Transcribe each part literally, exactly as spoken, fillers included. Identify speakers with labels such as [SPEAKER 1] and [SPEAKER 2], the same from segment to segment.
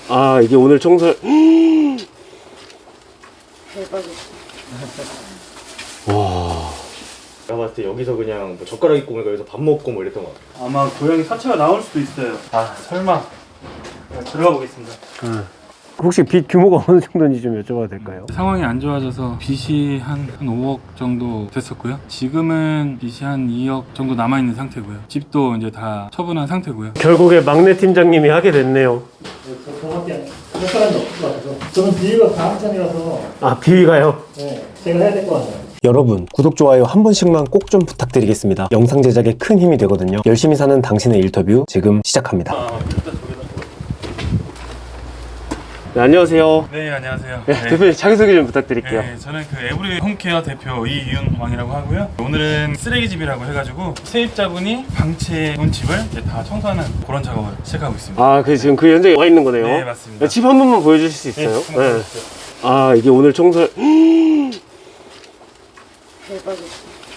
[SPEAKER 1] 아, 이게 오늘 청소.
[SPEAKER 2] 대박이다.
[SPEAKER 1] 와.
[SPEAKER 3] 내가 봤을 때 여기서 그냥 뭐 젓가락 입고 오니까 여기서 밥 먹고 뭐 이랬던 것 같아.
[SPEAKER 4] 아마 고양이 사체가 나올 수도 있어요. 아 설마. 네, 들어가 보겠습니다.
[SPEAKER 1] 응. 혹시 빚 규모가 어느 정도인지 좀 여쭤봐도 될까요?
[SPEAKER 5] 상황이 안 좋아져서 빚이 한, 한 오억 정도 됐었고요. 지금은 빚이 한 이억 정도 남아있는 상태고요. 집도 이제 다 처분한 상태고요.
[SPEAKER 1] 결국에 막내 팀장님이 하게 됐네요.
[SPEAKER 6] 저밖에 할 사람이 없을 것 같아서 저는 비위가 강한 편이라서
[SPEAKER 1] 아, 비위가요?
[SPEAKER 6] 네, 제가 해야 될 것 같아요.
[SPEAKER 7] 여러분, 구독, 좋아요 한 번씩만 꼭 좀 부탁드리겠습니다. 영상 제작에 큰 힘이 되거든요. 열심히 사는 당신의 인터뷰 지금 시작합니다.
[SPEAKER 1] 네, 안녕하세요.
[SPEAKER 5] 네, 안녕하세요.
[SPEAKER 1] 네, 대표님 자기소개 좀 부탁드릴게요.
[SPEAKER 5] 네, 저는 그 에브리 홈케어 대표 이윤왕이라고 하고요. 오늘은 쓰레기집이라고 해가지고 세입자분이 방치해놓은 집을 이제 다 청소하는 그런 작업을 시작하고 있습니다.
[SPEAKER 1] 아, 그 지금 그 현장에 와 있는 거네요.
[SPEAKER 5] 네, 맞습니다.
[SPEAKER 1] 집 한 번만 보여주실 수 있어요?
[SPEAKER 5] 네, 한번 보여주세요.
[SPEAKER 1] 아, 이게 오늘 청소.
[SPEAKER 2] 대박이다.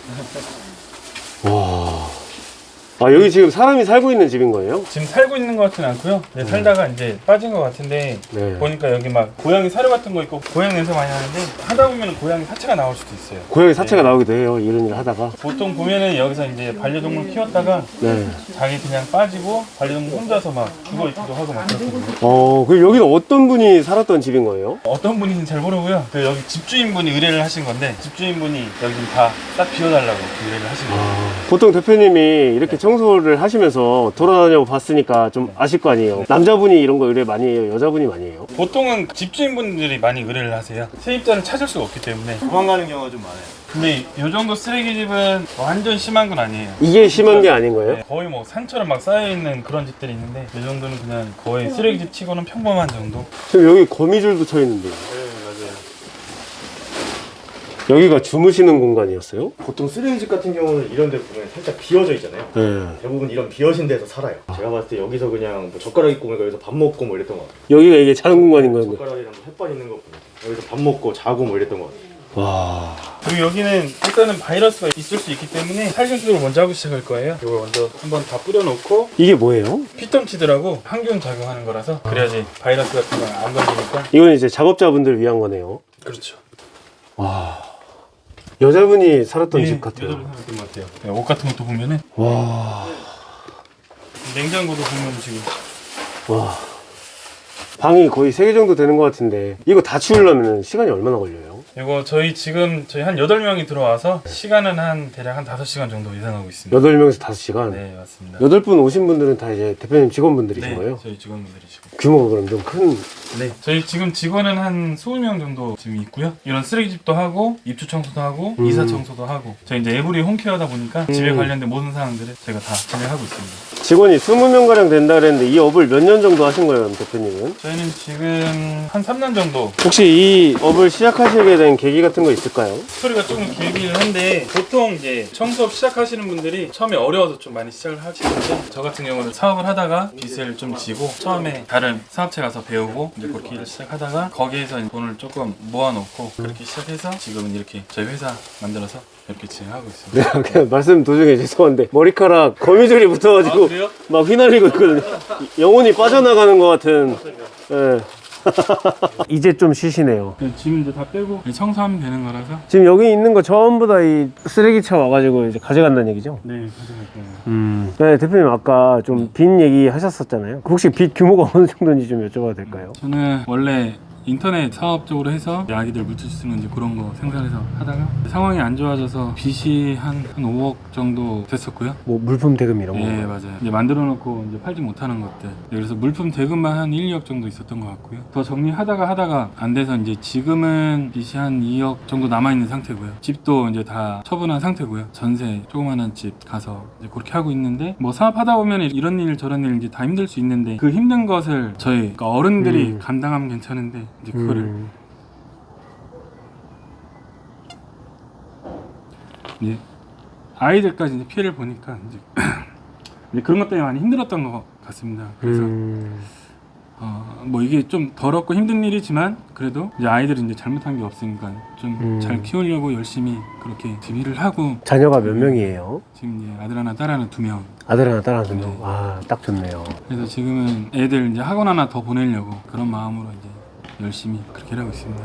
[SPEAKER 1] 와. 아, 여기 지금 사람이 살고 있는 집인 거예요?
[SPEAKER 5] 지금 살고 있는 것 같지는 않고요. 네, 살다가 이제 빠진 것 같은데
[SPEAKER 1] 네.
[SPEAKER 5] 보니까 여기 막 고양이 사료 같은 거 있고 고양이 냄새 많이 나는데 하다 보면 고양이 사체가 나올 수도 있어요.
[SPEAKER 1] 고양이 사체가
[SPEAKER 5] 네.
[SPEAKER 1] 나오기도 해요. 이런 일을 하다가.
[SPEAKER 5] 보통 보면은 여기서 이제 반려동물 키웠다가
[SPEAKER 1] 네.
[SPEAKER 5] 자기 그냥 빠지고 반려동물 혼자서 막 죽어 있기도 하고 막 그렇거든요.
[SPEAKER 1] 어, 그 여기는 어떤 분이 살았던 집인 거예요?
[SPEAKER 5] 어떤 분인지 잘 모르고요. 그 여기 집주인분이 의뢰를 하신 건데 집주인분이 여기 다 딱 비워달라고 의뢰를 하신 거예요.
[SPEAKER 1] 보통 대표님이 이렇게 청소를 하시면서 돌아다녀 봤으니까 좀 아실 거 아니에요. 남자분이 이런 거 의뢰 많이 해요? 여자분이 많이 해요?
[SPEAKER 5] 보통은 집주인분들이 많이 의뢰를 하세요. 세입자를 찾을 수가 없기 때문에.
[SPEAKER 3] 도망가는 경우가 좀 많아요.
[SPEAKER 5] 근데 이 정도 쓰레기집은 완전 심한 건 아니에요.
[SPEAKER 1] 이게 심한 게 아닌 거예요?
[SPEAKER 5] 네, 거의 뭐 산처럼 막 쌓여있는 그런 집들이 있는데 이 정도는 그냥 거의 쓰레기집 치고는 평범한 정도.
[SPEAKER 1] 지금 여기 거미줄도 쳐 있는데요.
[SPEAKER 3] 네, 맞아요.
[SPEAKER 1] 여기가 주무시는 공간이었어요?
[SPEAKER 3] 보통 쓰레기집 같은 경우는 이런 데 보면 살짝 비어져 있잖아요.
[SPEAKER 1] 네.
[SPEAKER 3] 대부분 이런 비어진 데서 살아요. 제가 봤을 때 여기서 그냥 뭐 젓가락 입고 오니까 여기서 밥 먹고 뭐 이랬던 것 같아요.
[SPEAKER 1] 여기가 이게 자는 공간인 거예요?
[SPEAKER 3] 젓가락이랑 뭐 햇반 있는 거 보면 여기서 밥 먹고 자고 뭐 이랬던 것 같아요.
[SPEAKER 1] 와.
[SPEAKER 5] 그리고 여기는 일단은 바이러스가 있을 수 있기 때문에 살균수를 먼저 하고 시작할 거예요. 이걸 먼저 한번 다 뿌려놓고
[SPEAKER 1] 이게 뭐예요?
[SPEAKER 5] 피톤치드라고 항균 작용하는 거라서 그래야지 바이러스 같은 건 안 걸리니까.
[SPEAKER 1] 이건 이제 작업자분들 위한 거네요.
[SPEAKER 5] 그렇죠.
[SPEAKER 1] 와. 여자분이 살았던 집 같아요.
[SPEAKER 5] 여자분 살았던 것 같아요. 네, 옷 같은 것도 보면은
[SPEAKER 1] 와.
[SPEAKER 5] 냉장고도 보면 지금
[SPEAKER 1] 와. 방이 거의 세 개 정도 되는 것 같은데 이거 다 치우려면 시간이 얼마나 걸려요?
[SPEAKER 5] 이거 저희 지금 저희 한 여덟 명이 들어와서 시간은 한 대략 한 다섯 시간 정도 예상하고 있습니다.
[SPEAKER 1] 여덟 명에서 다섯 시간?
[SPEAKER 5] 네, 맞습니다.
[SPEAKER 1] 여덟 분 오신 분들은 다 이제 대표님 직원분들이신
[SPEAKER 5] 네,
[SPEAKER 1] 거예요?
[SPEAKER 5] 저희 직원분들이시고.
[SPEAKER 1] 규모가 그럼 좀 큰.
[SPEAKER 5] 네. 저희 지금 직원은 한 이십 명 정도 지금 있고요. 이런 쓰레기집도 하고 입주 청소도 하고
[SPEAKER 1] 음.
[SPEAKER 5] 이사 청소도 하고 저희 이제 에브리 홈케어다 보니까 집에 관련된 모든 사항들을 저희가 다 진행하고 있습니다.
[SPEAKER 1] 직원이 이십 명 가량 된다 그랬는데 이 업을 몇 년 정도 하신 거예요, 대표님은?
[SPEAKER 5] 저희는 지금 한 삼 년 정도.
[SPEAKER 1] 혹시 이 업을 시작하시게 된 계기 같은 거 있을까요?
[SPEAKER 5] 스토리가 조금 길기는 한데 보통 이제 청소업 시작하시는 분들이 처음에 어려워서 좀 많이 시작을 하시는데 저 같은 경우는 사업을 하다가 빚을 좀 지고 처음에 다른 사업체 가서 배우고 이제 그렇게 일을 시작하다가 거기에서 돈을 조금 모아놓고 그렇게 시작해서 지금은 이렇게 저희 회사 만들어서 이렇게 진행하고 있습니다.
[SPEAKER 1] 네, 그냥 말씀 도중에 죄송한데 머리카락 거미줄이 붙어가지고
[SPEAKER 5] 아, 그래요?
[SPEAKER 1] 막 휘날리고 있거든요. 영혼이 빠져나가는 것 같은. 예. 이제 좀 쉬시네요.
[SPEAKER 5] 지금 이제 다 빼고 청소하면 되는 거라서.
[SPEAKER 1] 지금 여기 있는 거 전부 다 이 쓰레기차 와가지고 이제 가져간다는 얘기죠?
[SPEAKER 5] 네, 가져갈게요.
[SPEAKER 1] 음. 네, 대표님 아까 좀 빚 얘기 하셨었잖아요. 혹시 빚 규모가 어느 정도인지 좀 여쭤봐도 될까요?
[SPEAKER 5] 저는 원래 인터넷 사업 쪽으로 해서 아기들 물질 쓰는 이제 그런 거 생산해서 하다가 상황이 안 좋아져서 빚이 한, 한 오억 정도 됐었고요.
[SPEAKER 1] 뭐 물품 대금 이런 거?
[SPEAKER 5] 네, 맞아요. 이제 만들어 놓고 이제 팔지 못하는 것들. 네, 그래서 물품 대금만 한 일, 이억 정도 있었던 것 같고요. 더 정리하다가 하다가 안 돼서 이제 지금은 빚이 한 이억 정도 남아 있는 상태고요. 집도 이제 다 처분한 상태고요. 전세 조그만한 집 가서 이제 그렇게 하고 있는데 뭐 사업하다 보면 이런 일 저런 일 이제 다 힘들 수 있는데 그 힘든 것을 저희 그러니까 어른들이
[SPEAKER 1] 음.
[SPEAKER 5] 감당하면 괜찮은데 이제 그거를
[SPEAKER 1] 음.
[SPEAKER 5] 이제 아이들까지 이제 피해를 보니까 이제, 이제 그런 것 때문에 많이 힘들었던 것 같습니다. 그래서
[SPEAKER 1] 음.
[SPEAKER 5] 어, 뭐 이게 좀 더럽고 힘든 일이지만 그래도 이제 아이들은 이제 잘못한 게 없으니까 좀 잘
[SPEAKER 1] 음.
[SPEAKER 5] 키우려고 열심히 그렇게 지금 일을 하고
[SPEAKER 1] 자녀가 몇 명이에요?
[SPEAKER 5] 지금 이제 아들 하나 딸 하나 두 명.
[SPEAKER 1] 아들 하나 딸 하나 두 명.
[SPEAKER 5] 네.
[SPEAKER 1] 아, 딱 좋네요.
[SPEAKER 5] 그래서 지금은 애들 이제 학원 하나 더 보내려고 그런 마음으로 이제 열심히 그렇게 하고 있습니다.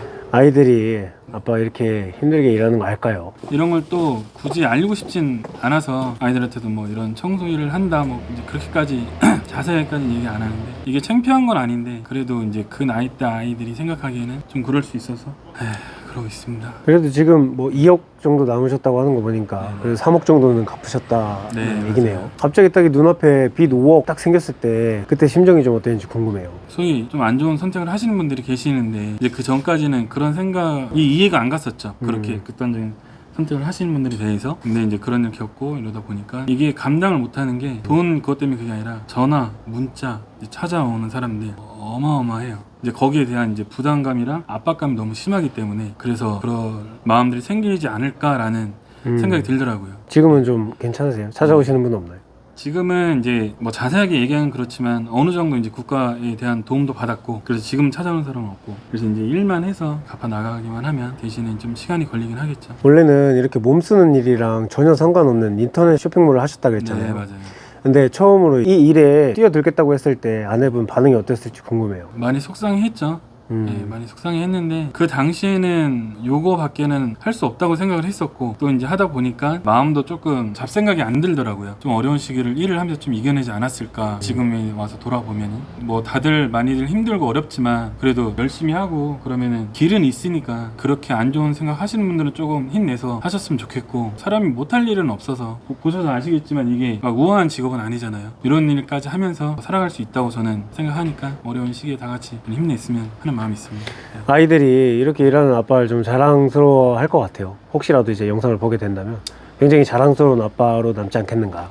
[SPEAKER 1] 아이들이 아빠 이렇게 힘들게 일하는 거 알까요?
[SPEAKER 5] 이런 걸 또 굳이 알리고 싶진 않아서 아이들한테도 뭐 이런 청소 일을 한다 뭐 이제 그렇게까지 자세하게까지 얘기 안 하는데 이게 창피한 건 아닌데 그래도 이제 그 나이 때 아이들이 생각하기에는 좀 그럴 수 있어서 에휴, 그러고 있습니다.
[SPEAKER 1] 그래도 지금 뭐 이억 정도 남으셨다고 하는 거 보니까 그래도 삼억 정도는 갚으셨다는
[SPEAKER 5] 네,
[SPEAKER 1] 얘기네요.
[SPEAKER 5] 맞아요.
[SPEAKER 1] 갑자기 딱 이 눈앞에 빚 오억 딱 생겼을 때 그때 심정이 좀 어땠는지 궁금해요.
[SPEAKER 5] 소위 좀 안 좋은 선택을 하시는 분들이 계시는데 이제 그 전까지는 그런 생각이 이해가 안 갔었죠. 그렇게
[SPEAKER 1] 음.
[SPEAKER 5] 극단적인 선택을 하시는 분들에 대해서. 근데 이제 그런 일 겪고 이러다 보니까 이게 감당을 못하는 게 돈 그것 때문에 그게 아니라 전화, 문자 이제 찾아오는 사람들 어마어마해요. 이제 거기에 대한 이제 부담감이랑 압박감이 너무 심하기 때문에 그래서 그런 마음들이 생기지 않을까라는
[SPEAKER 1] 음.
[SPEAKER 5] 생각이 들더라고요.
[SPEAKER 1] 지금은 좀 괜찮으세요? 찾아오시는 분 없나요?
[SPEAKER 5] 지금은 이제 뭐 자세하게 얘기하는 그렇지만 어느 정도 이제 국가에 대한 도움도 받았고 그래서 지금 찾아오는 사람은 없고 그래서 이제 일만 해서 갚아 나가기만 하면 대신에 좀 시간이 걸리긴 하겠죠.
[SPEAKER 1] 원래는 이렇게 몸 쓰는 일이랑 전혀 상관없는 인터넷 쇼핑몰을 하셨다 그랬잖아요.
[SPEAKER 5] 네, 맞아요.
[SPEAKER 1] 근데 처음으로 이 일에 뛰어들겠다고 했을 때 아내분 반응이 어땠을지 궁금해요.
[SPEAKER 5] 많이 속상했죠.
[SPEAKER 1] 음.
[SPEAKER 5] 네, 많이 속상했는데 그 당시에는 요거 밖에는 할 수 없다고 생각을 했었고 또 이제 하다 보니까 마음도 조금 잡생각이 안 들더라고요. 좀 어려운 시기를 일을 하면서 좀 이겨내지 않았을까. 지금에 와서 돌아보면 뭐 다들 많이들 힘들고 어렵지만 그래도 열심히 하고 그러면은 길은 있으니까 그렇게 안 좋은 생각 하시는 분들은 조금 힘내서 하셨으면 좋겠고 사람이 못할 일은 없어서 보셔서 아시겠지만 이게 막 우아한 직업은 아니잖아요. 이런 일까지 하면서 살아갈 수 있다고 저는 생각하니까 어려운 시기에 다 같이 힘냈으면 하는 마음이 있습니다. 네.
[SPEAKER 1] 아이들이 이렇게 일하는 아빠를 좀 자랑스러워 할 것 같아요. 혹시라도 이제 영상을 보게 된다면 굉장히 자랑스러운 아빠로 남지 않겠는가.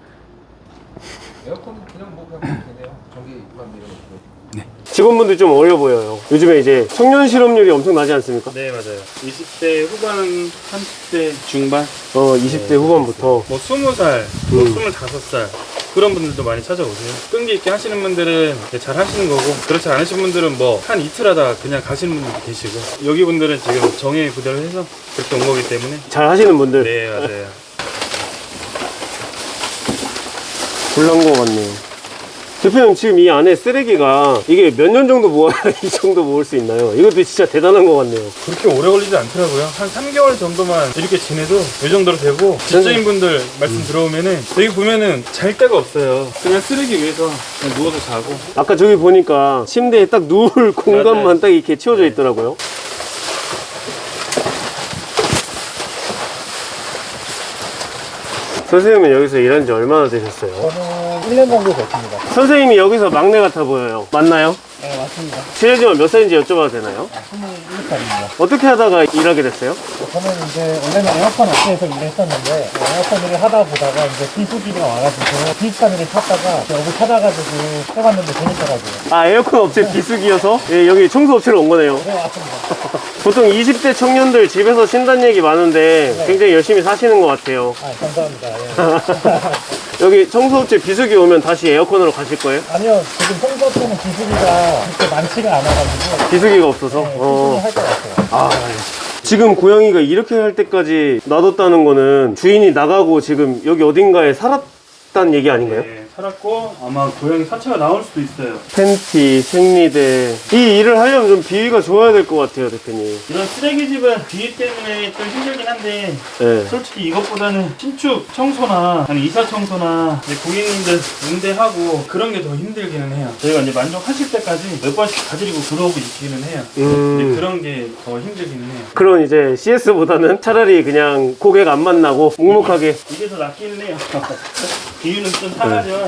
[SPEAKER 8] 에어컨은 그냥 뭐 그냥 되네요. 전기만 밀어놓고.
[SPEAKER 1] 직원분들 좀 어려 보여요. 요즘에 이제 청년 실업률이 엄청 나지 않습니까?
[SPEAKER 5] 네, 맞아요. 이십 대 후반, 삼십 대 중반,
[SPEAKER 1] 어, 이십 대 후반부터.
[SPEAKER 5] 뭐 스무 살, 뭐
[SPEAKER 1] 음.
[SPEAKER 5] 스물다섯 살 그런 분들도 많이 찾아오세요. 끈기 있게 하시는 분들은 잘 하시는 거고 그렇지 않으신 분들은 뭐 한 이틀 하다 그냥 가시는 분들도 계시고 여기 분들은 지금 정예 부대를 해서 그렇게 온 거기 때문에
[SPEAKER 1] 잘 하시는 분들.
[SPEAKER 5] 네, 맞아요.
[SPEAKER 1] 곤란 것 같네요. 대표님 지금 이 안에 쓰레기가 이게 몇 년 정도 모아야 이 정도 모을 수 있나요? 이것도 진짜 대단한 것 같네요.
[SPEAKER 5] 그렇게 오래 걸리지 않더라고요. 한 삼 개월 정도만 이렇게 지내도 이 정도로 되고 직장인 분들 말씀 들어오면은 여기 보면은 잘 데가 없어요. 그냥 쓰레기 위에서 그냥 누워서 자고.
[SPEAKER 1] 아까 저기 보니까 침대에 딱 누울 공간만 딱 이렇게 치워져 있더라고요. 선생님은 여기서 일한 지 얼마나 되셨어요?
[SPEAKER 6] 저는 일 년 정도 됐습니다.
[SPEAKER 1] 선생님이 여기서 막내 같아 보여요. 맞나요?
[SPEAKER 6] 네, 맞습니다.
[SPEAKER 1] 실례지만 몇 살인지 여쭤봐도 되나요?
[SPEAKER 6] 스물일곱 살입니다.
[SPEAKER 1] 어떻게 하다가 일하게 됐어요?
[SPEAKER 6] 저는 이제 원래는 에어컨 업체에서 일을 했었는데 에어컨 일을 하다 보다가 이제 비수기가 와가지고 비슷한 일을 찾다가 여기 찾아가지고 해봤는데 재밌더라고요.
[SPEAKER 1] 아, 에어컨 업체 비수기여서 예, 여기 청소 업체로 온 거네요.
[SPEAKER 6] 네, 맞습니다.
[SPEAKER 1] 보통 이십 대 청년들 집에서 쉰다는 얘기 많은데
[SPEAKER 6] 네.
[SPEAKER 1] 굉장히 열심히 사시는 것 같아요.
[SPEAKER 6] 아, 감사합니다. 예.
[SPEAKER 1] 여기 청소업체 비수기 오면 다시 에어컨으로 가실 거예요?
[SPEAKER 6] 아니요, 지금 청소업체는 비수기가 그렇게 많지가 않아가지고
[SPEAKER 1] 비수기가 없어서.
[SPEAKER 6] 네,
[SPEAKER 1] 어.
[SPEAKER 6] 할 것 같아요.
[SPEAKER 1] 아, 지금 고양이가 이렇게 할 때까지 놔뒀다는 거는 주인이 나가고 지금 여기 어딘가에 살았다는 얘기 아닌가요?
[SPEAKER 5] 네, 살았고 아마 고양이 사체가 나올 수도 있어요.
[SPEAKER 1] 팬티, 생리대. 이 일을 하려면 좀 비위가 좋아야 될 것 같아요, 대표님.
[SPEAKER 5] 이런 쓰레기집은 비위 때문에 좀 힘들긴 한데
[SPEAKER 1] 네.
[SPEAKER 5] 솔직히 이것보다는 신축 청소나 아니 이사 청소나 이제 고객님들 응대하고 그런 게 더 힘들기는 해요. 저희가 이제 만족하실 때까지 몇 번씩 가지고 들어오고 있기는 해요.
[SPEAKER 1] 음.
[SPEAKER 5] 이제 그런 게 더 힘들기는 해요.
[SPEAKER 1] 그런 이제 씨에스보다는 차라리 그냥 고객 안 만나고 묵묵하게.
[SPEAKER 5] 이게 더 낫기는 해요. 비유는 좀 상하지만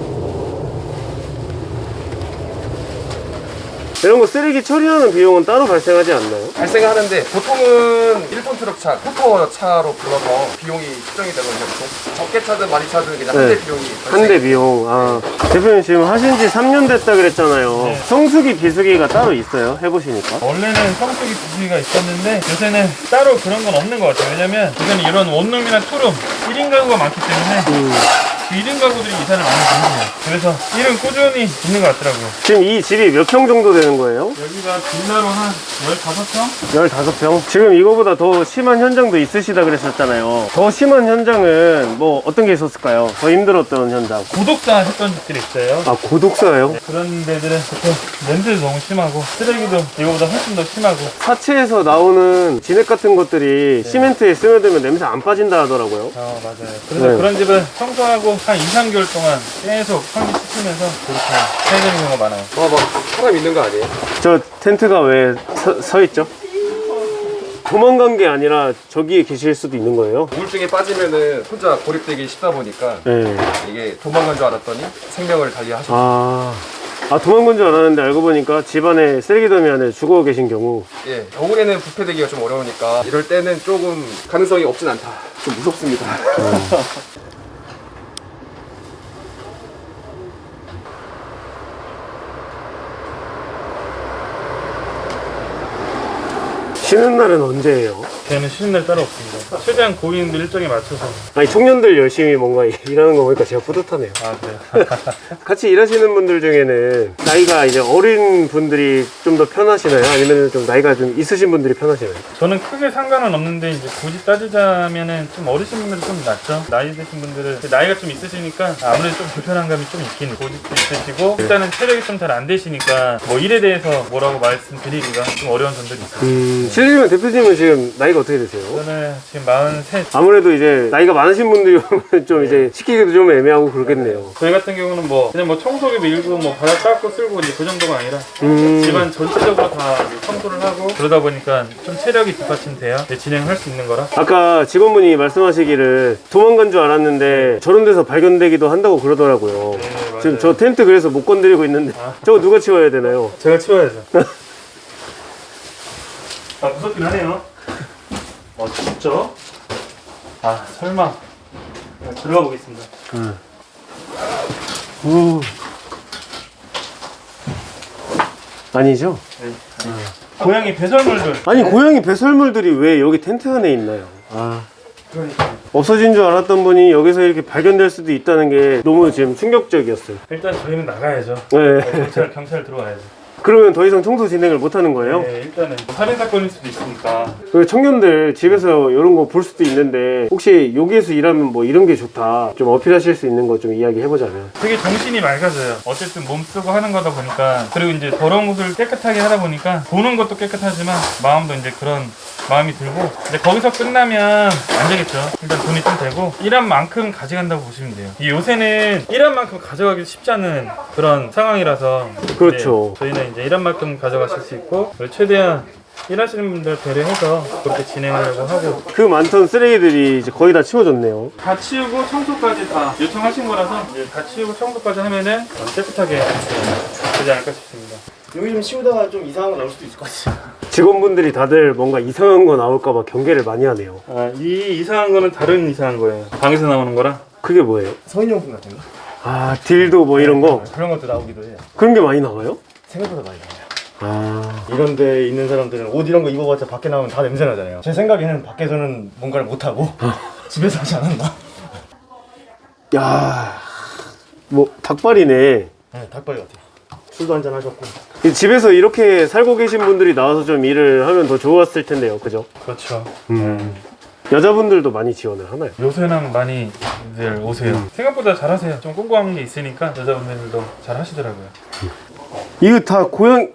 [SPEAKER 1] 이런 거 쓰레기 처리하는 비용은 따로 발생하지 않나요?
[SPEAKER 8] 발생하는데 보통은 일 톤 트럭 차, 포터 차로 불러서 비용이 측정이 되거든요. 보통 적게 차든 많이 차든 그냥 한
[SPEAKER 1] 네.
[SPEAKER 8] 대 비용이
[SPEAKER 1] 한 대 비용. 아, 대표님 지금 하신 지 삼 년 됐다 그랬잖아요.
[SPEAKER 5] 네.
[SPEAKER 1] 성수기, 비수기가 따로 있어요? 해보시니까.
[SPEAKER 5] 원래는 성수기 비수기가 있었는데 요새는 따로 그런 건 없는 것 같아요. 왜냐면 이건 이런 원룸이나 투룸 일 인 가구가 많기 때문에
[SPEAKER 1] 음.
[SPEAKER 5] 일 인 가구들이 이사를 많이 다니세요. 그래서 일은 꾸준히 있는 것 같더라고요.
[SPEAKER 1] 지금 이 집이 몇 평 정도 되는 거예요?
[SPEAKER 5] 여기가 빌라로 한 열다섯 평?
[SPEAKER 1] 열다섯 평? 지금 이거보다 더 심한 현장도 있으시다 그랬었잖아요. 더 심한 현장은 뭐 어떤 게 있었을까요? 더 힘들었던 현장.
[SPEAKER 5] 고독사 했던 집들이 있어요.
[SPEAKER 1] 아, 고독사예요?
[SPEAKER 5] 네, 그런 데들은 보통 냄새도 너무 심하고 쓰레기도 이거보다 훨씬 더 심하고.
[SPEAKER 1] 사체에서 나오는 진액 같은 것들이 시멘트에 스며들면 냄새 안 빠진다 하더라고요.
[SPEAKER 5] 어, 맞아요. 그래서
[SPEAKER 1] 네.
[SPEAKER 5] 그런 집은 청소하고 한 이, 삼 개월 동안 계속 환기시키면서 그렇게 해야 되는 경우가 많아요.
[SPEAKER 8] 와, 막 사람 있는 거 아니에요?
[SPEAKER 1] 저 텐트가 왜 서, 서 있죠? 도망간 게 아니라 저기에 계실 수도 있는 거예요?
[SPEAKER 8] 우울증에 빠지면은 혼자 고립되기 쉽다 보니까
[SPEAKER 1] 네.
[SPEAKER 8] 이게 도망간 줄 알았더니 생명을 달리하셨어요.
[SPEAKER 1] 아, 아 도망간 줄 알았는데 알고 보니까 집안에 쓰레기 더미 안에 죽어 계신 경우.
[SPEAKER 8] 예, 겨울에는 부패되기가 좀 어려우니까 이럴 때는 조금 가능성이 없진 않다. 좀 무섭습니다.
[SPEAKER 1] 쉬는 날은 언제예요?
[SPEAKER 5] 저희는 쉬는 날 따로 없습니다. 최대한 고객님들 일정에 맞춰서.
[SPEAKER 1] 아니 청년들 열심히 뭔가 일하는 거 보니까 제가 뿌듯하네요.
[SPEAKER 5] 아, 그래요?
[SPEAKER 1] 같이 일하시는 분들 중에는 나이가 이제 어린 분들이 좀 더 편하시나요? 아니면 좀 나이가 좀 있으신 분들이 편하시나요?
[SPEAKER 5] 저는 크게 상관은 없는데 이제 굳이 따지자면은 좀 어리신 분들이 좀 낫죠. 나이 드신 분들은 나이가 좀 있으시니까 아무래도 좀 불편한 감이 좀 있긴 고집도 있으시고 일단은 체력이 좀 잘 안 되시니까 뭐 일에 대해서 뭐라고 말씀드리기가 좀 어려운 점들이 있어요.
[SPEAKER 1] 음, 실례지만 대표님은 지금 나이가 어떻게 되세요?
[SPEAKER 5] 저는 지금 마흔셋.
[SPEAKER 1] 아무래도 이제 나이가 많으신 분들이 오면 좀 이제 시키기도 좀 애매하고 그러겠네요.
[SPEAKER 5] 저희 같은 경우는 뭐 그냥 뭐 청소기 밀고 뭐 바닥 닦고 쓸고 이제 그 정도가 아니라
[SPEAKER 1] 음.
[SPEAKER 5] 집안 전체적으로 다 청소를 하고 그러다 보니까 좀 체력이 뒷받침돼야 진행을 할 수 있는 거라.
[SPEAKER 1] 아까 직원분이 말씀하시기를 도망간 줄 알았는데 저런 데서 발견되기도 한다고 그러더라고요.
[SPEAKER 5] 네, 맞아요.
[SPEAKER 1] 지금 저 텐트 그래서 못 건드리고 있는데 저거 누가 치워야 되나요?
[SPEAKER 5] 제가 치워야죠. 아, 무섭긴 하네요. 어, 진짜? 아, 설마. 네, 들어가 보겠습니다.
[SPEAKER 1] 우. 아니죠?
[SPEAKER 5] 네. 고양이 배설물들.
[SPEAKER 1] 아니 고양이 배설물들이 왜 여기 텐트 안에 있나요? 아.
[SPEAKER 5] 그러니까.
[SPEAKER 1] 없어진 줄 알았던 분이 여기서 이렇게 발견될 수도 있다는 게 너무 지금 충격적이었어요.
[SPEAKER 5] 일단 저희는 나가야죠.
[SPEAKER 1] 네.
[SPEAKER 5] 경찰, 경찰 들어와야죠.
[SPEAKER 1] 그러면 더 이상 청소 진행을 못 하는 거예요?
[SPEAKER 5] 네, 일단은 살인사건일 수도 있으니까.
[SPEAKER 1] 그 청년들 집에서 이런 거 볼 수도 있는데 혹시 여기에서 일하면 뭐 이런 게 좋다 좀 어필하실 수 있는 거 좀 이야기해보자면.
[SPEAKER 5] 되게 정신이 맑아져요. 어쨌든 몸 쓰고 하는 거다 보니까. 그리고 이제 더러운 곳을 깨끗하게 하다 보니까 보는 것도 깨끗하지만 마음도 이제 그런 마음이 들고 이제 거기서 끝나면 안 되겠죠. 일단 돈이 좀 되고 일한 만큼 가져간다고 보시면 돼요. 이 요새는 일한 만큼 가져가기 쉽지 않은 그런 상황이라서
[SPEAKER 1] 그렇죠.
[SPEAKER 5] 이제 저희는 이제 일한 만큼 가져가실 수 있고 최대한 일하시는 분들 배려해서 그렇게 진행하려고 하고.
[SPEAKER 1] 그 많던 쓰레기들이 이제 거의 다 치워졌네요.
[SPEAKER 5] 다 치우고 청소까지 다 요청하신 거라서 이제 다 치우고 청소까지 하면은 깨끗하게 되지 않을까 싶습니다.
[SPEAKER 3] 여기 좀 치우다가 좀 이상한 거 나올 수도 있을 것 같아요.
[SPEAKER 1] 직원분들이 다들 뭔가 이상한 거 나올까봐 경계를 많이 하네요.
[SPEAKER 5] 아, 이 이상한 거는 다른 이상한 거예요. 방에서 나오는 거라.
[SPEAKER 1] 그게 뭐예요?
[SPEAKER 3] 성인용품 같은 거?
[SPEAKER 1] 아 딜도 뭐 이런 거?
[SPEAKER 3] 그런 것도 나오기도 해요.
[SPEAKER 1] 그런 게 많이 나와요?
[SPEAKER 3] 생각보다 많이 나와요.
[SPEAKER 1] 아
[SPEAKER 3] 이런 데 있는 사람들은 옷 이런 거 입어봤자 밖에 나오면 다 냄새 나잖아요. 제 생각에는 밖에서는 뭔가를 못하고 집에서 하지 않았나?
[SPEAKER 1] 야, 뭐 닭발이네.
[SPEAKER 3] 네, 닭발 같아요. 술도 한잔 하셨고.
[SPEAKER 1] 이 집에서 이렇게 살고 계신 분들이 나와서 좀 일을 하면 더 좋았을 텐데요, 그죠?
[SPEAKER 5] 그렇죠.
[SPEAKER 1] 음. 여자분들도 많이 지원을 하나요?
[SPEAKER 5] 요새는 많이들 오세요. 생각보다 잘하세요. 좀 꼼꼼한 게 있으니까 여자분들도 잘 하시더라고요.
[SPEAKER 1] 이거 다 고양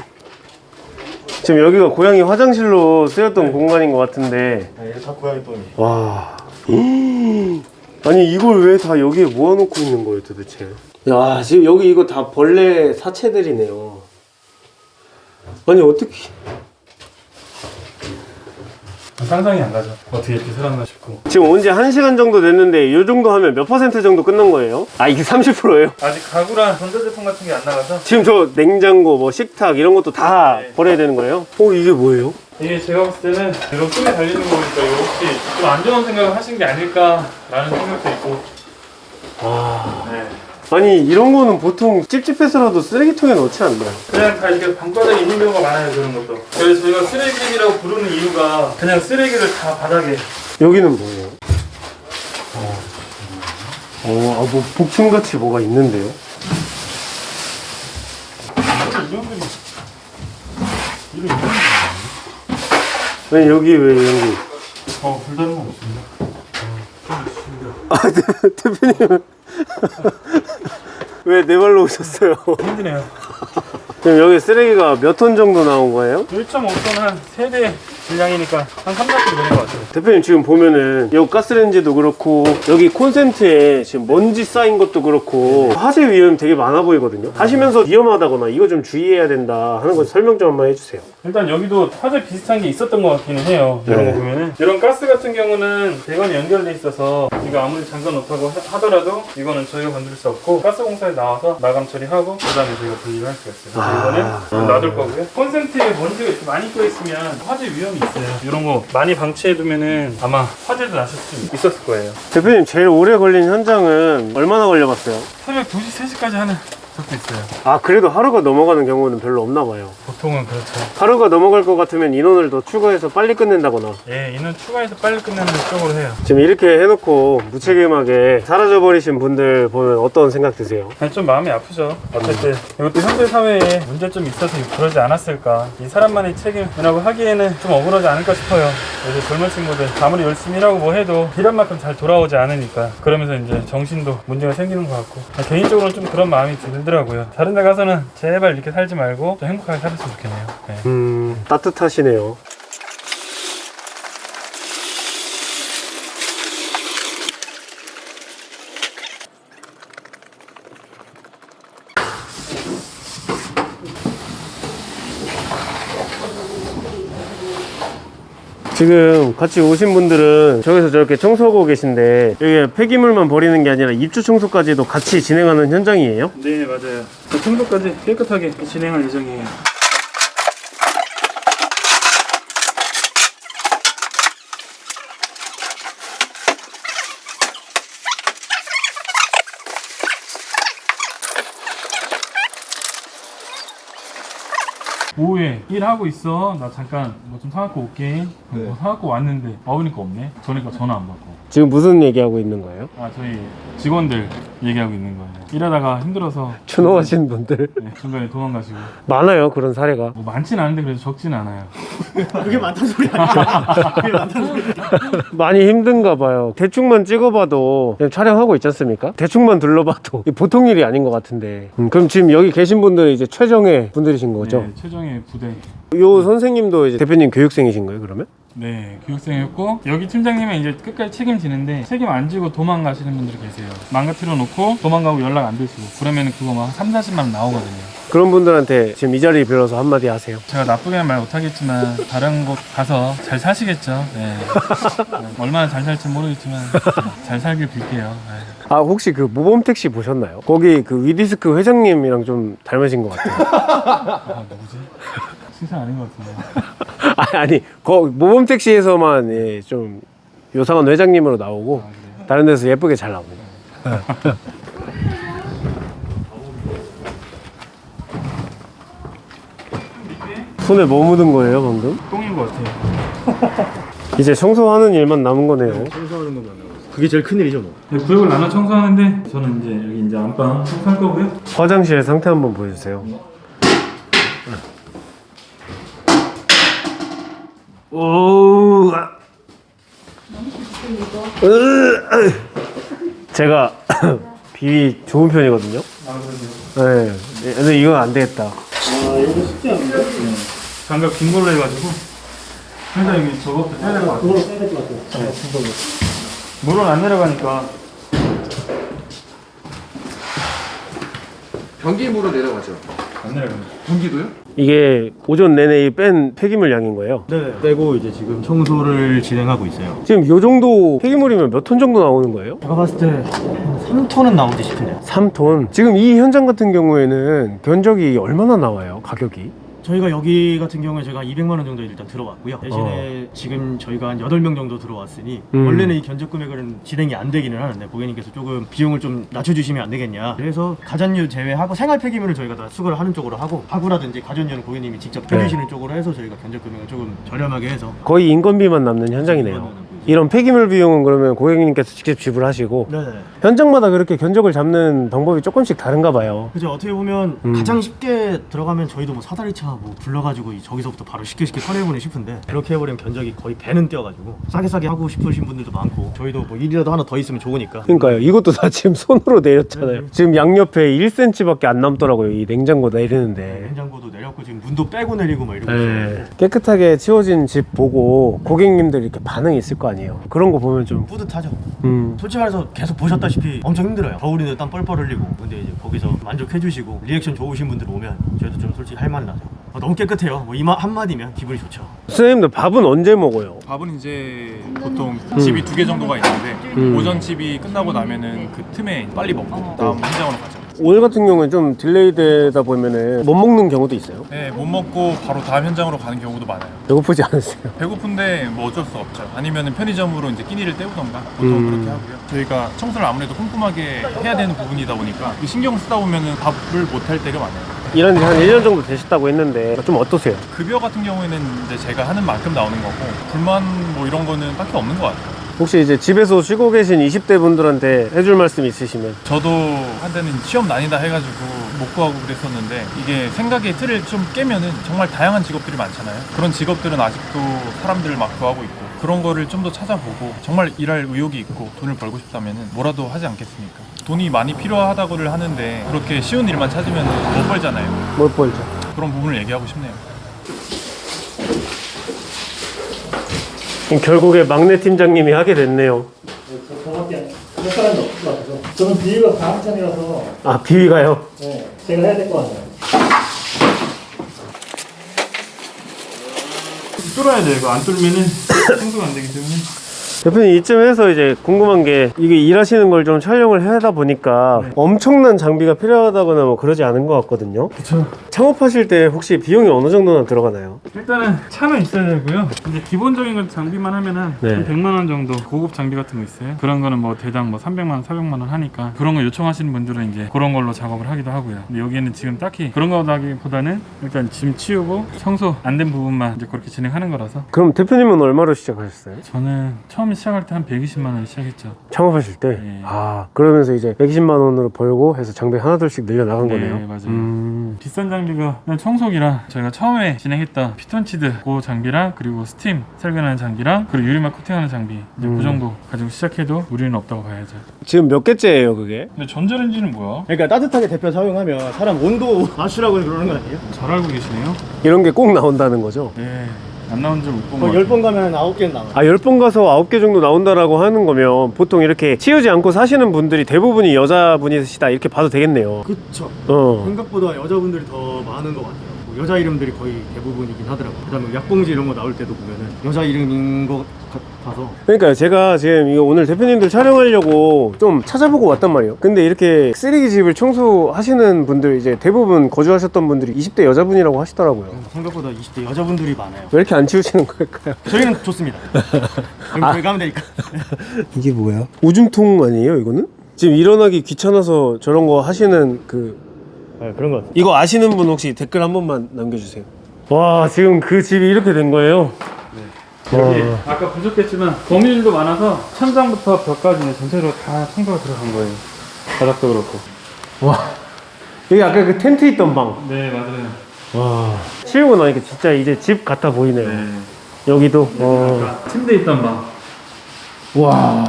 [SPEAKER 1] 지금 여기가 고양이 화장실로 쓰였던 공간인 것 같은데.
[SPEAKER 3] 네, 이게 다 고양이 똥이.
[SPEAKER 1] 와. 아니 이걸 왜 다 여기에 모아놓고 있는 거예요 도대체? 야 지금 여기 이거 다 벌레 사체들이네요. 아니 어떻게?
[SPEAKER 5] 상상이 안 가죠. 어떻게 이렇게 살았나 싶고.
[SPEAKER 1] 지금 온 지 한 시간 정도 됐는데 이 정도 하면 몇 퍼센트 정도 끝난 거예요? 아 이게 삼십 퍼센트예요?
[SPEAKER 5] 아직 가구랑 전자제품 같은 게 안 나가서.
[SPEAKER 1] 지금 저 냉장고 뭐 식탁 이런 것도 다
[SPEAKER 5] 네.
[SPEAKER 1] 버려야 되는 거예요? 어 이게 뭐예요?
[SPEAKER 5] 이게 제가 봤을 때는 이런 손에 달리는 거 보니까 이거 혹시 좀 안 좋은 생각을 하신 게 아닐까라는 생각도 있고.
[SPEAKER 1] 와.
[SPEAKER 5] 네.
[SPEAKER 1] 아니 이런 거는 보통 찝찝해서라도 쓰레기통에 넣지 않나요?
[SPEAKER 5] 그냥 다 이렇게 방바닥에 있는 경우가 많아요, 그런 것도. 그래서 저희가 쓰레기라고 부르는 이유가 그냥 쓰레기를 다 바닥에.
[SPEAKER 1] 여기는 뭐예요? 어, 아, 뭐 복층같이 뭐가 있는데요? 왜 여기 왜 여기?
[SPEAKER 5] 어, 별다른 건 없습니다.
[SPEAKER 1] 아, 대, 대표님 왜 네 발로 오셨어요?
[SPEAKER 5] 힘드네요.
[SPEAKER 1] 지금 여기 쓰레기가 몇 톤 정도 나온 거예요?
[SPEAKER 5] 일 점 오 톤 한 세 대 분량이니까 한 삼, 사 킬로그램 되는 것 같아요.
[SPEAKER 1] 대표님 지금 보면은 이 가스레인지도 그렇고 여기 콘센트에 지금 먼지 쌓인 것도 그렇고 화재 위험 되게 많아 보이거든요. 하시면서 위험하다거나 이거 좀 주의해야 된다 하는 거 설명 좀 한번 해주세요.
[SPEAKER 5] 일단 여기도 화재 비슷한 게 있었던 것 같기는 해요. 이런
[SPEAKER 1] 네.
[SPEAKER 5] 거 보면은 이런 가스 같은 경우는 배관이 연결돼 있어서 이거 아무리 잠궈 놓다고 하- 하더라도 이거는 저희가 건드릴 수 없고 가스공사에 나와서 마감 처리하고 그 다음에 저희가 분리를 할 수가 있어요.
[SPEAKER 1] 아.
[SPEAKER 5] 이거는 놔둘 거고요. 콘센트에 먼지가 이렇게 많이 껴 있으면 화재 위험이 있어요. 이런 거 많이 방치해 두면은 아마 화재도 나실 수 있었을 거예요.
[SPEAKER 1] 대표님 제일 오래 걸린 현장은 얼마나 걸려봤어요?
[SPEAKER 5] 새벽 두 시, 세 시까지 하는 적도 있어요.
[SPEAKER 1] 아 그래도 하루가 넘어가는 경우는 별로 없나 봐요.
[SPEAKER 5] 보통은 그렇죠.
[SPEAKER 1] 하루가 넘어갈 것 같으면 인원을 더 추가해서 빨리 끝낸다거나.
[SPEAKER 5] 예, 이는 추가해서 빨리 끝내는 쪽으로 해요.
[SPEAKER 1] 지금 이렇게 해놓고 무책임하게 사라져버리신 분들 보면 어떤 생각 드세요?
[SPEAKER 5] 아니, 좀 마음이 아프죠. 어쨌든 이것도 현대 사회에 문제점이 있어서 그러지 않았을까. 이 사람만의 책임이라고 하기에는 좀 억울하지 않을까 싶어요. 요새 젊은 친구들 아무리 열심히 일하고 뭐 해도 일한 만큼 잘 돌아오지 않으니까 그러면서 이제 정신도 문제가 생기는 것 같고 개인적으로는 좀 그런 마음이 들더라고요. 다른 데 가서는 제발 이렇게 살지 말고 좀 행복하게 살았으면 좋겠네요. 네.
[SPEAKER 1] 음 따뜻하시네요. 지금 같이 오신 분들은 저기서 저렇게 청소하고 계신데 여기 폐기물만 버리는 게 아니라 입주 청소까지도 같이 진행하는 현장이에요?
[SPEAKER 5] 네, 맞아요. 청소까지 깨끗하게 진행할 예정이에요. 오후에 일하고 있어. 나 잠깐 뭐 좀 사갖고 올게. 뭐 사갖고 왔는데 와보니까 없네. 그러니까 전화 안 받고.
[SPEAKER 1] 지금 무슨 얘기하고 있는 거예요?
[SPEAKER 5] 아, 저희 직원들 얘기하고 있는 거예요. 일하다가 힘들어서
[SPEAKER 1] 추노하신 분들
[SPEAKER 5] 네, 중간에 도망가시고.
[SPEAKER 1] 많아요 그런 사례가.
[SPEAKER 5] 뭐 많진 않은데 그래도 적진 않아요.
[SPEAKER 3] 그게 많다는 소리 아니야? 그게 많다는 소리.
[SPEAKER 1] 많이 힘든가 봐요. 대충만 찍어봐도 그냥 촬영하고 있지 않습니까? 대충만 둘러봐도 이게 보통 일이 아닌 것 같은데. 음, 그럼 지금 여기 계신 분들은 이제 최정예 분들이신 거죠?
[SPEAKER 5] 네, 최정의 부대.
[SPEAKER 1] 요 선생님도 이제 대표님 교육생이신 거예요 그러면?
[SPEAKER 5] 네, 교육생이었고 여기 팀장님은 이제 끝까지 책임지는데 책임 안 지고 도망가시는 분들이 계세요. 망가뜨려 놓고 도망가고 연락 안 되시고 그러면 그거 막 삼, 사십만 원 나오거든요.
[SPEAKER 1] 그런 분들한테 지금 이 자리 빌어서 한마디 하세요.
[SPEAKER 5] 제가 나쁘게는 말 못하겠지만 다른 곳 가서 잘 사시겠죠. 네. 네, 얼마나 잘 살지 모르겠지만 잘 살길 빌게요. 네.
[SPEAKER 1] 아 혹시 그 모범택시 보셨나요? 거기 그 위디스크 회장님이랑 좀 닮으신 것 같아요.
[SPEAKER 5] 아, 누구지? 신상 아닌 것 같은데.
[SPEAKER 1] 아니, 아니 거 모범택시에서만 예, 좀 요상한 회장님으로 나오고
[SPEAKER 5] 아, 그래요?
[SPEAKER 1] 다른 데서 예쁘게 잘 나옵니다. 손에 뭐 묻은 거예요 방금?
[SPEAKER 5] 똥인 것 같아요.
[SPEAKER 1] 이제 청소하는 일만 남은 거네요.
[SPEAKER 3] 청소하는 것만 나오고. 그게 제일 큰일이죠 뭐.
[SPEAKER 5] 네, 구역을 나눠 청소하는데 저는 이제 여기 이제 안방 청소할 거고요.
[SPEAKER 1] 화장실 상태 한번 보여주세요. 오, 아. 으, 제가 비위 좋은 편이거든요.
[SPEAKER 5] 아, 그러세요?
[SPEAKER 1] 네, 근데 이건 안 되겠다.
[SPEAKER 5] 아, 이거 쉽지 않은데? 네. 장갑 긴 걸로 해가지고 일단 여기 저것도 떼야 될 것 같아요.
[SPEAKER 6] 써야 될 것 같아요.
[SPEAKER 5] 네. 물은 안 내려가니까
[SPEAKER 8] 변기물은 내려가죠.
[SPEAKER 5] 안 내려갑니다.
[SPEAKER 8] 변기도요?
[SPEAKER 1] 이게 오전 내내 뺀 폐기물 양인 거예요.
[SPEAKER 3] 네. 빼고 이제 지금 청소를 진행하고 있어요.
[SPEAKER 1] 지금 요 정도 폐기물이면 몇 톤 정도 나오는 거예요?
[SPEAKER 3] 제가 봤을 때 삼 톤은 나오지 싶은데요.
[SPEAKER 1] 삼 톤. 지금 이 현장 같은 경우에는 견적이 얼마나 나와요? 가격이?
[SPEAKER 3] 저희가 여기 같은 경우에 제가 이백만 원 정도 일단 들어왔고요. 대신에 지금 저희가 한 여덟 명 정도 들어왔으니
[SPEAKER 1] 음.
[SPEAKER 3] 원래는 이 견적 금액은 진행이 안 되기는 하는데 고객님께서 조금 비용을 좀 낮춰주시면 안 되겠냐. 그래서 가전류 제외하고 생활 폐기물을 저희가 다 수거를 하는 쪽으로 하고 가구라든지 가전류는 고객님이 직접 펴주시는 쪽으로 해서 저희가 견적 금액을 조금 저렴하게 해서
[SPEAKER 1] 거의 인건비만 남는 현장이네요. 이런 폐기물 비용은 그러면 고객님께서 직접 지불하시고
[SPEAKER 3] 네네.
[SPEAKER 1] 현장마다 그렇게 견적을 잡는 방법이 조금씩 다른가 봐요.
[SPEAKER 3] 그죠. 어떻게 보면
[SPEAKER 1] 음.
[SPEAKER 3] 가장 쉽게 들어가면 저희도 뭐 사다리차 뭐 불러가지고 이- 저기서부터 바로 쉽게 쉽게 처리해보니 싶은데 그렇게 해버리면 견적이 거의 배는 뛰어가지고 싸게 싸게 하고 싶으신 분들도 많고 저희도 뭐 일이라도 하나 더 있으면 좋으니까.
[SPEAKER 1] 그러니까요. 이것도 다 지금 손으로 내렸잖아요.
[SPEAKER 3] 네.
[SPEAKER 1] 지금 양옆에 일 센티미터밖에 안 남더라고요. 이 냉장고 내리는데.
[SPEAKER 3] 냉장고도 내렸고 지금 문도 빼고 내리고 막 이러고
[SPEAKER 1] 네.
[SPEAKER 3] 있어요.
[SPEAKER 1] 깨끗하게 치워진 집 보고 고객님들 이렇게 반응이 있을 거 아니에요. 그런 거 보면 좀
[SPEAKER 3] 뿌듯하죠.
[SPEAKER 1] 음.
[SPEAKER 3] 솔직히 말해서 계속 보셨다시피 엄청 힘들어요. 겨울인데 땀 뻘뻘 흘리고. 근데 이제 거기서 만족해주시고 리액션 좋으신 분들 오면 저희도 좀 솔직히 할 말 나죠. 어, 너무 깨끗해요. 뭐 이마 한마디면 기분이 좋죠.
[SPEAKER 1] 선생님들 밥은 언제 먹어요?
[SPEAKER 9] 밥은 이제 보통 집이 두 개 정도가 있는데
[SPEAKER 1] 음.
[SPEAKER 9] 오전 집이 끝나고 나면은 그 틈에 빨리 먹고 다음 현장으로 가죠.
[SPEAKER 1] 오늘 같은 경우는 좀 딜레이 되다 보면은 못 먹는 경우도 있어요.
[SPEAKER 9] 네, 못 먹고 바로 다음 현장으로 가는 경우도 많아요.
[SPEAKER 1] 배고프지 않으세요?
[SPEAKER 9] 배고픈데 뭐 어쩔 수 없죠. 아니면은 편의점으로 이제 끼니를 때우던가 보통
[SPEAKER 1] 음.
[SPEAKER 9] 그렇게 하고요. 저희가 청소를 아무래도 꼼꼼하게 해야 되는 부분이다 보니까 신경 쓰다 보면은 밥을 못 할 때가 많아요.
[SPEAKER 1] 일한 지 한 일 년 정도 되셨다고 했는데 좀 어떠세요?
[SPEAKER 9] 급여 같은 경우에는 이제 제가 하는 만큼 나오는 거고 불만 뭐 이런 거는 딱히 없는 것 같아요.
[SPEAKER 1] 혹시 이제 집에서 쉬고 계신 이십 대 분들한테 해줄 말씀 있으시면?
[SPEAKER 9] 저도 한때는 취업 난이다 해가지고 못 구하고 그랬었는데 이게 생각의 틀을 좀 깨면은 정말 다양한 직업들이 많잖아요. 그런 직업들은 아직도 사람들을 막 구하고 있고 그런 거를 좀 더 찾아보고 정말 일할 의욕이 있고 돈을 벌고 싶다면은 뭐라도 하지 않겠습니까? 돈이 많이 필요하다고를 하는데 그렇게 쉬운 일만 찾으면 못 벌잖아요.
[SPEAKER 1] 못 벌죠.
[SPEAKER 9] 그런 부분을 얘기하고 싶네요.
[SPEAKER 1] 결국에 막내 팀장님이 하게 됐네요.
[SPEAKER 6] 저, 저밖에 할 사람이 없을 것 같아서 저는 비위가 다음 편이라서
[SPEAKER 1] 아, 비위가요?
[SPEAKER 6] 네, 제가 해야 될 것 같아요.
[SPEAKER 5] 뚫어야 돼. 이거 안 뚫으면은 청소가 안 되기 때문에.
[SPEAKER 1] 대표님 이쯤에서 이제 궁금한 게 이게 일하시는 걸 좀 촬영을 하다 보니까
[SPEAKER 5] 네.
[SPEAKER 1] 엄청난 장비가 필요하다거나 뭐 그러지 않은 것 같거든요.
[SPEAKER 5] 그쵸.
[SPEAKER 1] 창업하실 때 혹시 비용이 어느 정도나 들어가나요?
[SPEAKER 5] 일단은 차는 있어야 되고요. 근데 기본적인 건 장비만 하면은
[SPEAKER 1] 네.
[SPEAKER 5] 한 백만 원 정도 고급 장비 같은 거 있어요. 그런 거는 뭐 대당 뭐 삼백만 원, 사백만 원 하니까 그런 거 요청하시는 분들은 이제 그런 걸로 작업을 하기도 하고요. 근데 여기에는 지금 딱히 그런 거라기보다는 일단 짐 치우고 청소 안 된 부분만 이제 그렇게 진행하는 거라서
[SPEAKER 1] 그럼 대표님은 얼마로 시작하셨어요?
[SPEAKER 5] 저는 처음에 시작할 때 한 백이십만 원 시작했죠.
[SPEAKER 1] 창업하실 때?
[SPEAKER 5] 네.
[SPEAKER 1] 아, 그러면서 이제 백이십만 원으로 벌고 해서 장비 하나둘씩 늘려나간
[SPEAKER 5] 네,
[SPEAKER 1] 거네요?
[SPEAKER 5] 맞아요.
[SPEAKER 1] 음...
[SPEAKER 5] 비싼 장비가 그냥 청소기랑 저희가 처음에 진행했던 피톤치드 그 장비랑 그리고 스팀 살균하는 장비랑 그리고 유리막 코팅하는 장비 이제
[SPEAKER 1] 음.
[SPEAKER 5] 그 정도 가지고 시작해도 무리는 없다고 봐야죠.
[SPEAKER 1] 지금 몇 개째예요 그게?
[SPEAKER 5] 근데 전자레인지는 뭐야?
[SPEAKER 3] 그러니까 따뜻하게 데펴 사용하면 사람 온도 맞추라고 그러는 거 아니에요?
[SPEAKER 5] 잘 알고 계시네요.
[SPEAKER 1] 이런 게 꼭 나온다는 거죠?
[SPEAKER 5] 네, 안 나온 줄 못 본 거
[SPEAKER 3] 거의
[SPEAKER 5] 같아요.
[SPEAKER 3] 열 번 가면 아홉 개는 나와요.
[SPEAKER 1] 아, 열 번 가서 아홉 개 정도 나온다라고 하는 거면 보통 이렇게 치우지 않고 사시는 분들이 대부분이 여자분이시다 이렇게 봐도 되겠네요.
[SPEAKER 3] 그쵸.
[SPEAKER 1] 어.
[SPEAKER 3] 생각보다 여자분들이 더 많은 것 같아요. 뭐 여자 이름들이 거의 대부분이긴 하더라고요. 그다음에 약봉지 이런 거 나올 때도 보면은 여자 이름인 것 같아서.
[SPEAKER 1] 그러니까 제가 지금 이거 오늘 대표님들 촬영하려고 좀 찾아보고 왔단 말이에요. 근데 이렇게 쓰레기 집을 청소하시는 분들 이제 대부분 거주하셨던 분들이 이십 대 여자분이라고 하시더라고요.
[SPEAKER 3] 생각보다 이십 대 여자분들이 많아요.
[SPEAKER 1] 왜 이렇게 안 치우시는 걸까요?
[SPEAKER 3] 저희는 좋습니다. 그럼 저희 가면 되니까.
[SPEAKER 1] 이게 뭐야? 오줌통 아니에요 이거는? 지금 일어나기 귀찮아서 저런 거 하시는 그
[SPEAKER 3] 네, 그런 것 같아요.
[SPEAKER 1] 이거 아시는 분 혹시 댓글 한 번만 남겨주세요. 와, 지금 그 집이 이렇게 된 거예요?
[SPEAKER 5] 여기 아까 보셨겠지만 거미줄도 많아서 천장부터 벽까지 전체적으로 다 청소가 들어간 거예요. 바닥도 그렇고.
[SPEAKER 1] 와, 여기 아까 그 텐트 있던 방.
[SPEAKER 5] 네, 맞아요.
[SPEAKER 1] 와, 치우고 나니까 진짜 이제 집 같아 보이네요.
[SPEAKER 5] 네.
[SPEAKER 1] 여기도. 어.
[SPEAKER 5] 아까 침대 있던 방.
[SPEAKER 1] 와,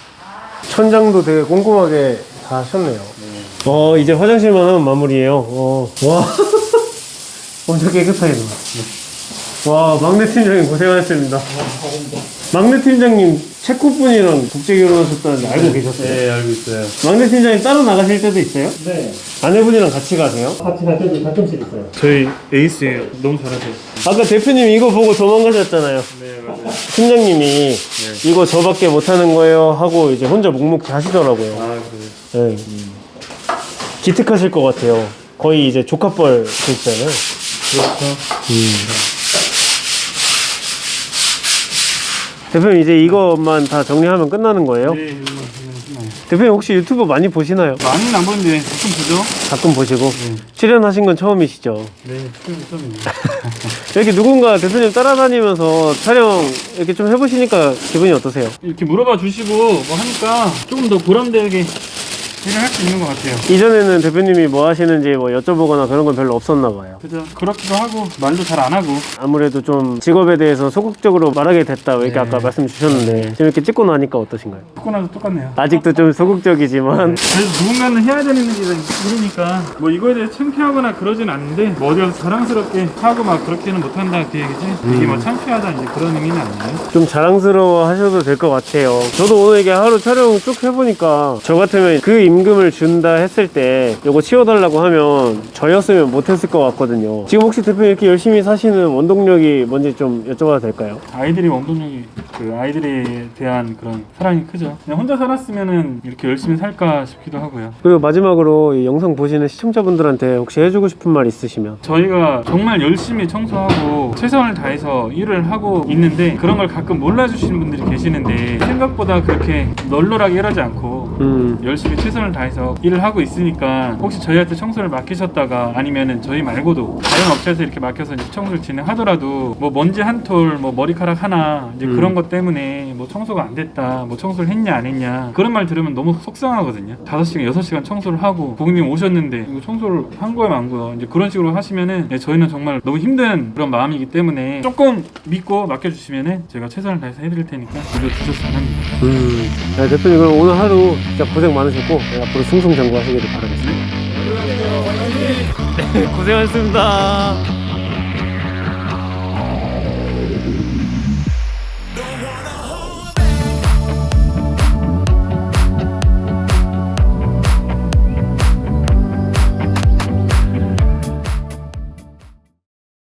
[SPEAKER 1] 천장도 되게 꼼꼼하게 다 하셨네요. 어, 이제 화장실만 하면 마무리예요. 어. 와, 엄청 깨끗하게 나와. 와, 막내 팀장님 고생하셨습니다. 막내 팀장님 체코 분이랑 국제 결혼하셨다는데 알고 계셨어요?
[SPEAKER 5] 네, 알고 있어요.
[SPEAKER 1] 막내 팀장님 따로 나가실 때도 있어요?
[SPEAKER 6] 네,
[SPEAKER 1] 아내분이랑 같이 가세요?
[SPEAKER 6] 같이 갈 때도 가끔씩 있어요.
[SPEAKER 5] 저희 에이스예요. 너무 잘하세요.
[SPEAKER 1] 아까 대표님 이거 보고 도망가셨잖아요.
[SPEAKER 5] 네, 맞아요.
[SPEAKER 1] 팀장님이 이거 저밖에 못하는 거예요 하고 이제 혼자 묵묵히 하시더라고요.
[SPEAKER 5] 아, 그래요.
[SPEAKER 1] 네. 기특하실 것 같아요. 거의 이제 조카뻘 되시잖아요.
[SPEAKER 5] 그렇죠.
[SPEAKER 1] 대표님 이제 이것만 다 정리하면 끝나는 거예요?
[SPEAKER 5] 네, 이거만, 이거만.
[SPEAKER 1] 대표님 혹시 유튜브 많이 보시나요?
[SPEAKER 5] 많이는 안 보는데 가끔 보죠.
[SPEAKER 1] 가끔 보시고
[SPEAKER 5] 네.
[SPEAKER 1] 출연하신 건 처음이시죠?
[SPEAKER 5] 네, 좀 처음입니다.
[SPEAKER 1] 이렇게 누군가 대표님 따라다니면서 촬영 이렇게 좀 해보시니까 기분이 어떠세요?
[SPEAKER 5] 이렇게 물어봐 주시고 뭐 하니까 조금 더 보람되게 일을 할 수 있는 것 같아요.
[SPEAKER 1] 이전에는 대표님이 뭐 하시는지 뭐 여쭤보거나 그런 건 별로 없었나 봐요.
[SPEAKER 5] 그죠? 그렇기도 하고 말도 잘 안 하고.
[SPEAKER 1] 아무래도 좀 직업에 대해서 소극적으로 말하게 됐다 이렇게
[SPEAKER 5] 네.
[SPEAKER 1] 아까 말씀 주셨는데 지금 이렇게 찍고 나니까 어떠신가요?
[SPEAKER 5] 듣고 나서 똑같네요.
[SPEAKER 1] 아직도 좀 소극적이지만
[SPEAKER 5] 그래서 누군가는 해야 되는 일이 일이니까 뭐 이거에 대해서 창피하거나 그러진 않는데 뭐 어디 가서 자랑스럽게 하고 막 그렇게는 못한다 그 얘기지. 이게 뭐 창피하다 이제 그런 의미는 아니에요.
[SPEAKER 1] 좀 자랑스러워 하셔도 될 것 같아요. 저도 오늘 이게 하루 촬영 쭉 해보니까 저 같으면 그 임금을 준다 했을 때 이거 치워달라고 하면 저였으면 못했을 것 같거든요. 지금 혹시 대표님 이렇게 열심히 사시는 원동력이 뭔지 좀 여쭤봐도 될까요?
[SPEAKER 5] 아이들이 원동력이 그 아이들에 대한 그런 사랑이 크죠. 그냥 혼자 살았으면은 이렇게 열심히 살까 싶기도 하고요.
[SPEAKER 1] 그리고 마지막으로 이 영상 보시는 시청자분들한테 혹시 해주고 싶은 말 있으시면.
[SPEAKER 5] 저희가 정말 열심히 청소하고 최선을 다해서 일을 하고 있는데 그런 걸 가끔 몰라주시는 분들이 계시는데 생각보다 그렇게 널널하게 일하지 않고
[SPEAKER 1] 음.
[SPEAKER 5] 열심히 최선을 다해서 일을 하고 있으니까 혹시 저희한테 청소를 맡기셨다가 아니면은 저희 말고도 다른 업체에서 이렇게 맡겨서 이제 청소를 진행하더라도 뭐 먼지 한 톨, 뭐 머리카락 하나 이제
[SPEAKER 1] 음.
[SPEAKER 5] 그런 것 때문에 뭐 청소가 안 됐다, 뭐 청소를 했냐 안 했냐 그런 말 들으면 너무 속상하거든요. 다섯 시간, 여섯 시간 청소를 하고 고객님 오셨는데 이거 청소를 한 거야 만 거야 이제 그런 식으로 하시면은 네, 저희는 정말 너무 힘든 그런 마음이기 때문에 조금 믿고 맡겨주시면은 제가 최선을 다해서 해드릴 테니까 믿어주셔서 잘합니다.
[SPEAKER 1] 음. 네, 대표님 그럼 오늘 하루 진짜 고생 많으셨고 네, 앞으로 승승장구하시기를 바라겠습니다. 네, 고생하셨습니다.